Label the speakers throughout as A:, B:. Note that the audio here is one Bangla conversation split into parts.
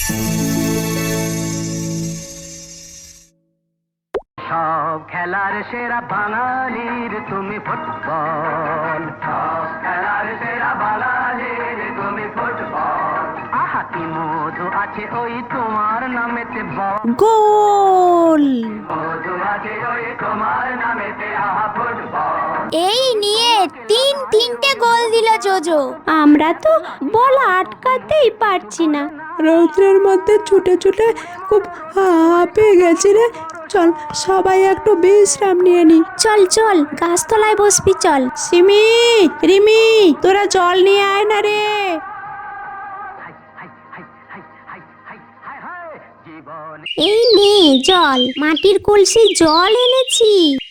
A: সব খেলার সেরা বাঙালির তুমি ফুটবল, সব খেলার সেরা বাঙালির তুমি ফুটবল। আহা কি মধু আছে ওই তোমার নামেতে,
B: গোল!
A: মধু আছে ওই তোমার নামেতে, আহা ফুটবল।
C: এই নিয়ে তিনটে গোল দিল জোজো।
B: আমরা তো বল আটকাতেই পারছি না। রৌদ্রের মধ্যে ছুটে ছুটে খুব হাঁপিয়ে গেছি রে। চল সবাই একটু বিশ্রাম নিয়ে নি।
C: চল চল গাছতলায় বসবি চল।
B: সিমি, রিমি, তোরা জল নিয়ে আয় না রে।
C: এই নে জল, মাটির কলসি জল এনেছি।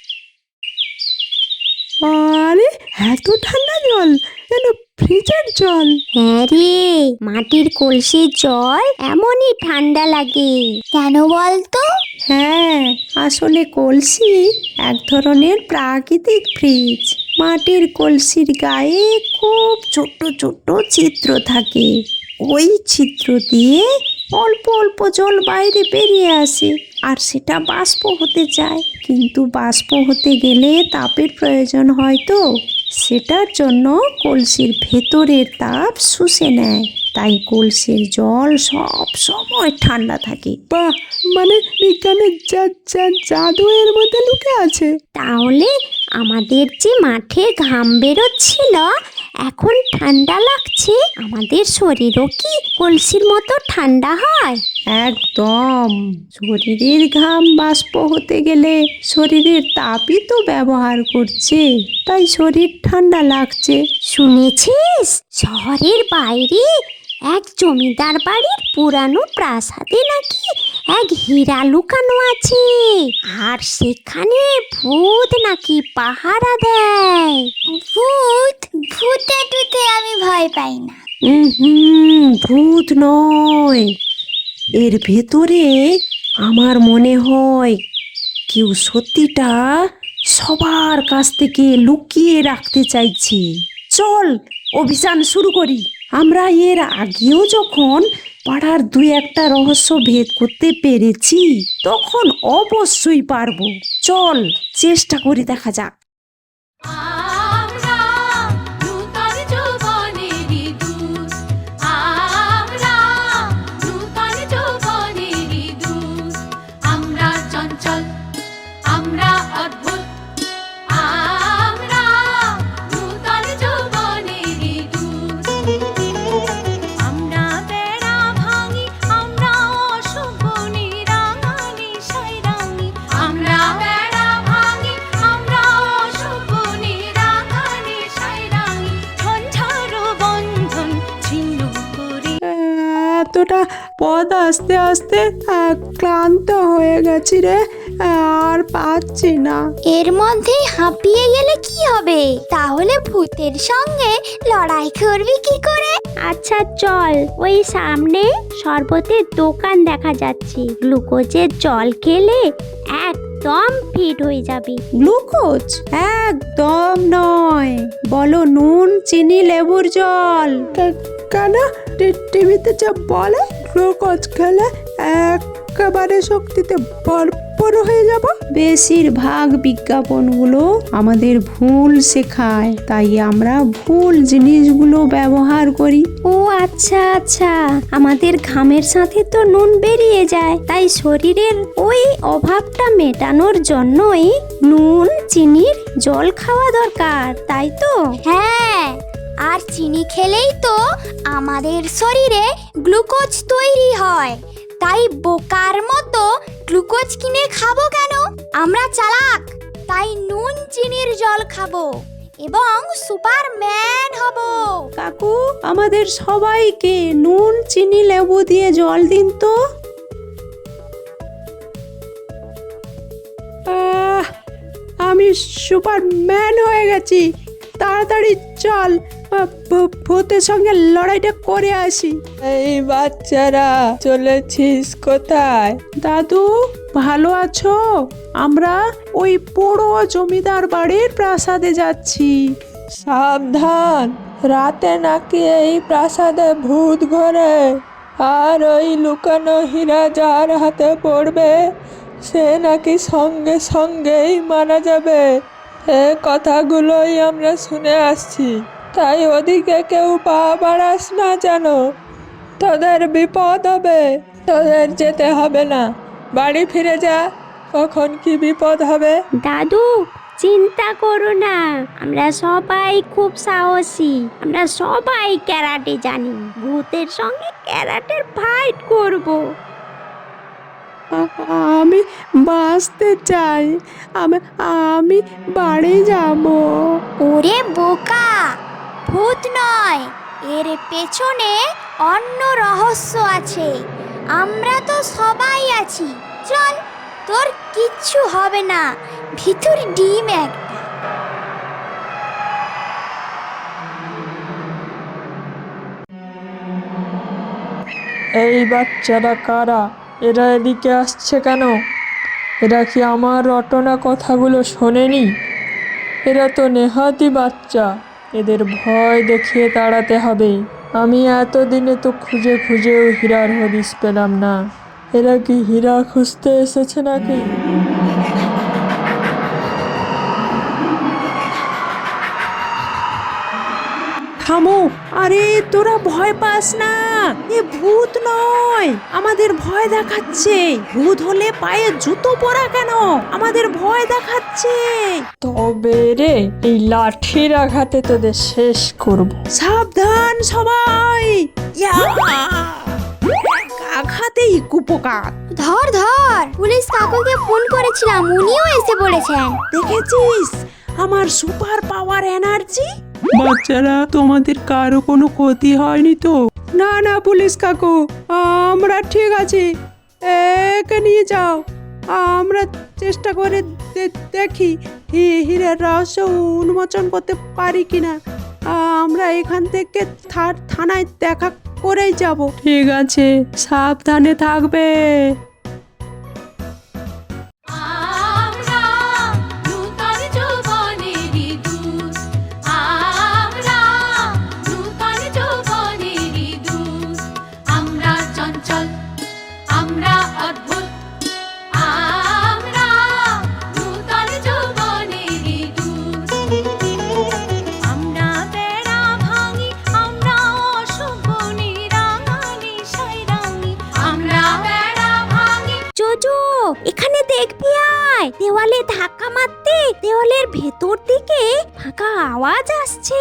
B: আরে এত ঠান্ডা জল, যেন ফ্রিজের জল।
C: হ্যাঁ রে, মাটির কলসির জল এমনই ঠান্ডা লাগে। কেন বলতো?
B: হ্যাঁ, আসলে কলসি এক ধরনের প্রাকৃতিক ফ্রিজ। মাটির কলসির গায়ে খুব ছোট্ট ছোট্ট ছিদ্র থাকে। ওই ছিদ্র দিয়ে অল্প অল্প জল বাইরে বেরিয়ে আসে, আর সেটা বাষ্প হতে চায়। কিন্তু বাষ্প হতে গেলে তাপের প্রয়োজন হয়, তো সেটার জন্য কলসির ভেতরের তাপ শুষে নেয়। তাই কলসির জল সব সময় ঠান্ডা থাকে। বাহ, মানে বিজ্ঞানের জাদু এর মধ্যে লুকে আছে।
C: তাহলে আমাদের যে মাঠে ঘাম বেরোচ্ছিল, এখন ঠান্ডা লাগছে, আমাদের শরীরও কি কলসির মতো ঠান্ডা হয়?
B: একদম। শরীরের ঘাম বাষ্প হতে গেলে শরীরের তাপই তো ব্যবহার করছে, তাই শরীর ঠান্ডা লাগছে।
C: শুনেছিস শহরের বাইরে এক জমিদার বাড়ির পুরানো প্রাসাদে নাকি এক হীরা লুকানো আছে, আর সেখানে ভূত নাকি পাহারা দেয়। ভূতে টুতে আমি ভয় পাই না।
B: ভূত নয়, এর ভেতরে আমার মনে হয় কেউ সত্যিটা সবার কাছ থেকে লুকিয়ে রাখতে চাইছে। চল অভিযান শুরু করি। আমরা এর আগেও যখন পাড়ার দুই একটা রহস্য ভেদ করতে পেরেছি, তখন অবশ্যই পারবো। চল চেষ্টা করে দেখা যাক। এতটা পথ আস্তে আস্তে ক্লান্ত হয়ে গেছি রে, আর পাচ্ছি না।
C: এর মধ্যেই হাঁপিয়ে গেলে কি হবে? তাহলে ভূতের সঙ্গে লড়াই করবি কি করে? আচ্ছা চল, ওই সামনে শরবতের দোকান দেখা যাচ্ছে, গ্লুকোজের জল খেলে একদম ফিট হয়ে যাবি।
B: গ্লুকোজ? একদম নয়, বলো নুন চিনি লেবুর জল। কেন টিভিতে যা বলে গ্লুকোজ খেলে একেবারে শক্তিতে ভরপুর হয়ে যাব। বেশিরভাগ বিজ্ঞাপনগুলো আমাদের ভুল শেখায়, তাই আমরা ভুল জিনিসগুলো ব্যবহার করি।
C: ও আচ্ছা আচ্ছা, আমাদের ঘামের সাথে তো নুন বেরিয়ে যায়, তাই শরীরের ওই অভাবটা মেটানোর জন্যই নুন চিনির জল খাওয়া দরকার, তাই তো? হ্যাঁ, আর চিনি খেলেই তো আমাদের শরীরে গ্লুকোজ তৈরি হয়, তাই বোকার মতো গ্লুকোজ কিনে খাবো কেন? আমরা চালাক, তাই নুন চিনির জল খাবো এবং সুপারম্যান হব।
B: কাকু, আমাদের সবাইকে নুন চিনি লেবু দিয়ে জল দিন তো। আমি সুপারম্যান হয়ে গেছি, তাড়াতাড়ি চল ভূতের সঙ্গে লড়াইটা করে আসি।
D: এই বাচ্চারা, চলেছিস কোথায়?
B: দাদু ভালো আছো? আমরা ওই পুরো জমিদার বাড়ির প্রাসাদে যাচ্ছি।
D: সাবধান, রাতে নাকি এই প্রাসাদে ভূত ঘোরে। আর ওই লুকানো হীরা যার হাতে পড়বে সে নাকি সঙ্গে সঙ্গেই মারা যাবে। এ কথাগুলোই আমরা শুনে আসছি, তাই ওদিকে কেউ পা বাড়াস না যেন, তোদের বিপদ হবে। তোদের যেতে হবে না, বাড়ি ফিরে যা, কখন কি বিপদ হবে।
C: দাদু চিন্তা করো না, আমরা সবাই খুব সাহসী, আমরা সবাই ক্যারাটে জানি, ভূতের সঙ্গে ক্যারাটের ফাইট করব।
B: আমি বাঁচতে চাই, আমি বাড়ি যাব।
E: ওরে বোকা, ভূত নয়, এর পেছনে অন্য রহস্য আছে। আমরা তো সবাই আছি, চল, তোর কিচ্ছু হবে না, ভিতর ডিম একটা।
D: এই বাচ্চারা কারা? এরা এদিকে আসছে কেন? এরা কি আমার রটনা কথাগুলো শোনেনি? এরা তো নেহাতি বাচ্চা, এদের ভয় দেখিয়ে তাড়াতে হবে। আমি এতদিনে তো খুঁজে খুঁজেও হীরার হদিস পেলাম না। এরা কি হীরা খুঁজতে এসেছে নাকি?
B: থামো, আরে তোরা ভয় পাস না, এ ভূত নয়, আমাদের ভয় দেখাচ্ছে। ভূত হলে পায়ে জুতো পরা কেন? আমাদের ভয় দেখাচ্ছে।
D: তবে রে, এই লাঠির আঘাতে তোদের শেষ করব।
B: সাবধান সবাই, ইয়া! এক আঘাতেই কুপোকাত।
E: ধর ধর, পুলিশ কাকুকে ফোন করেছিলাম, উনিও এসে পড়েছেন।
B: দেখেছিস আমার সুপার পাওয়ার এনার্জি?
F: বাচ্চারা, তোমাদের কারো কোনো ক্ষতি হয়নি তো?
B: না না পুলিশ কাকু, আমরা ঠিক আছি, একে নিয়ে যাও। আমরা চেষ্টা করে দেখি হীরের রহস্য উন্মোচন করতে পারি কিনা। আমরা এখান থেকে থানায় দেখা করেই যাব।
F: ঠিক আছে, সাবধানে থাকবে।
C: এখানে দেখবি, আয়, দেওয়ালে ধাক্কা মারতে দেওয়ালের ভেতর দিকে ফাঁকা আওয়াজ আসছে।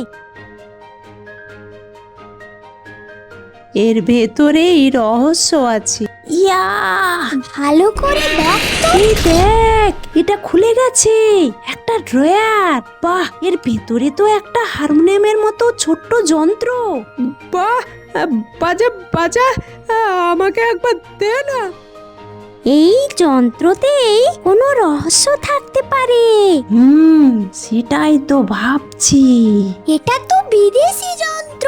B: এর ভেতরেই রহস্য আছে।
C: ইয়া,
E: ভালো করে দেখ তো।
B: এই দেখ, এটা খুলে গেছে, একটা ড্রয়ার। বাহ, এর ভেতরে তো একটা হারমোনিয়ামের মতো ছোট্ট যন্ত্র। বাহ, বাজা বাজা, আমাকে একবার দে না।
C: এই যন্ত্রতেই কোনো রহস্য থাকতে পারে।
B: সেটাই তো ভাবছি।
E: এটা তো বিদেশি যন্ত্র।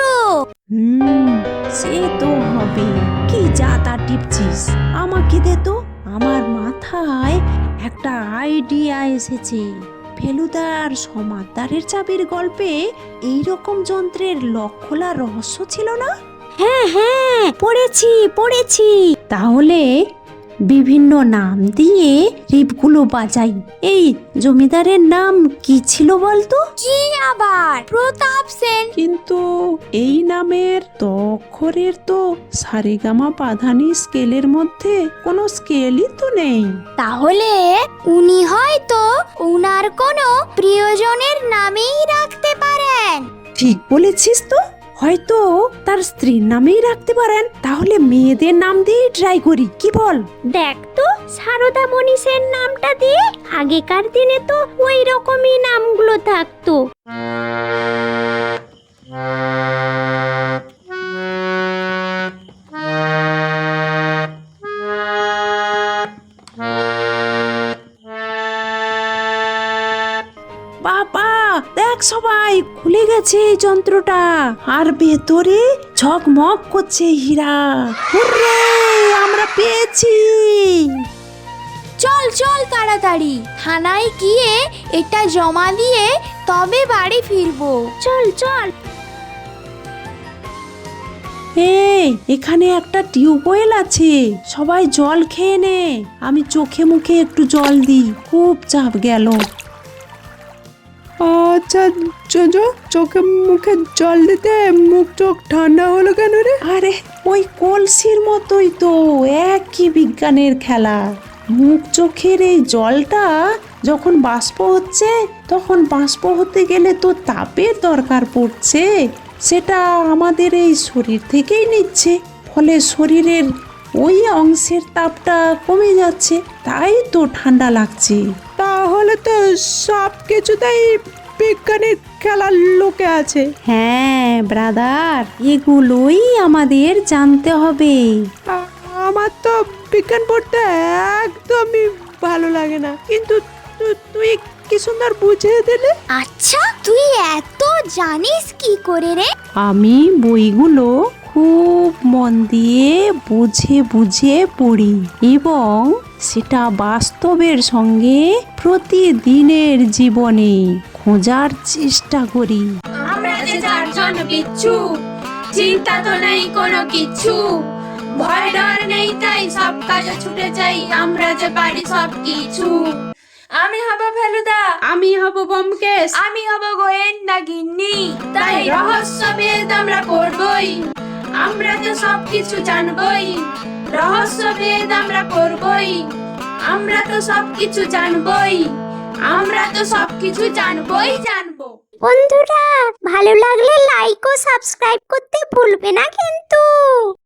B: সে তো হবে। কি যা তা টিপছিস, আমাকে দে তো। আমার মাথায় একটা আইডিয়া এসেছে। ফেলুদার সমাদদারের চাবির গল্পে এইরকম যন্ত্রের লক খোলার রহস্য ছিল না?
C: হ্যাঁ হ্যাঁ, পড়েছি।
B: তাহলে বিভিন্ন নাম দিয়ে রিপগুলো বাজাই। এই জমিদারের নাম কি ছিল বলতো?
E: কি আবার? প্রতাপ সেন।
B: কিন্তু এই নামের অক্ষরের তো সারেগামা পাধানি স্কেলের মধ্যে কোনো স্কেলই তো নেই।
E: তাহলে উনি হয়তো উনার কোনো প্রিয়জনের নামেই রাখতে পারেন।
B: ঠিক বলেছিস তো, হয়তো তার স্ত্রীর নামেই রাখতে পারেন। তাহলে মেয়েদের নাম দিয়ে ট্রাই করি, কি বল?
C: দেখ তো, সারদা মনীষের নামটা দিয়ে, আগেকার দিনে তো ওই রকমই নামগুলো থাকতো।
B: বাবা দেখ, সবাই খুলে গেছে এই যন্ত্রটা, আর ভেতরে ঝকমক করছে হীরা। হুররে, আমরা পেয়েছি।
E: চল চল তাড়াতাড়ি থানায় গিয়ে এটা জমা দিয়ে তবে বাড়ি ফিরবো।
C: চল চল।
B: এই এখানে একটা টিউবওয়েল আছে, সবাই জল খেয়ে নে, আমি চোখে মুখে একটু জল দিই, খুব চাপ গেল।
D: আচ্ছা চোখে মুখে জল দিতে মুখ চোখ ঠান্ডা হলো কেন রে?
B: আরে ওই কলসির মতোই তো, একই বিজ্ঞানের খেলা। মুখ চোখের এই জলটা যখন বাষ্প হচ্ছে, তখন বাষ্প হতে গেলে তো তাপের দরকার পড়ছে, সেটা আমাদের এই শরীর থেকেই নিচ্ছে, ফলে শরীরের ওই অংশের তাপটা কমে যাচ্ছে, তাই তো ঠান্ডা লাগছে।
D: তাহলে তো সব কিছুতেই বিজ্ঞানের খেলার লোকে আছে।
B: হ্যাঁ ব্রাদার, এগুলোই আমাদের জানতে হবে।
D: আমার তো বিজ্ঞান পড়তে একদমই ভালো লাগে না, কিন্তু তুই কি সুন্দর বুঝিয়ে দিলি।
E: আচ্ছা তুই এত জানিস কি করে রে?
B: আমি বইগুলো খুব মন দিয়ে বুঝে বুঝে পড়ি এবং সেটা বাস্তবের সঙ্গে প্রতিদিনের জীবনে খোঁজার চেষ্টা করি।
G: আমরা যে চারজন বিচ্ছু, চিন্তা তো নেই কোনো কিছু, ভয় ডর নেই তাই সব কাজে ছুটে যাই, আমরা যে পারি সব কিছু। আমি হব ফেলুদা, আমি হব ব্যোমকেশ, আমি হব গোয়েন্দা গিন্নি, তাই রহস্যভেদ আমরা করবই, আমরা তো সব কিছু জানবই, রহস্যভেদ আমরা করবই, আমরা তো সব কিছু জানবই, আমরা তো সব কিছু জানবই জানবো।
E: বন্ধুরা ভালো লাগলে লাইক ও সাবস্ক্রাইব করতে ভুলবে না কিন্তু।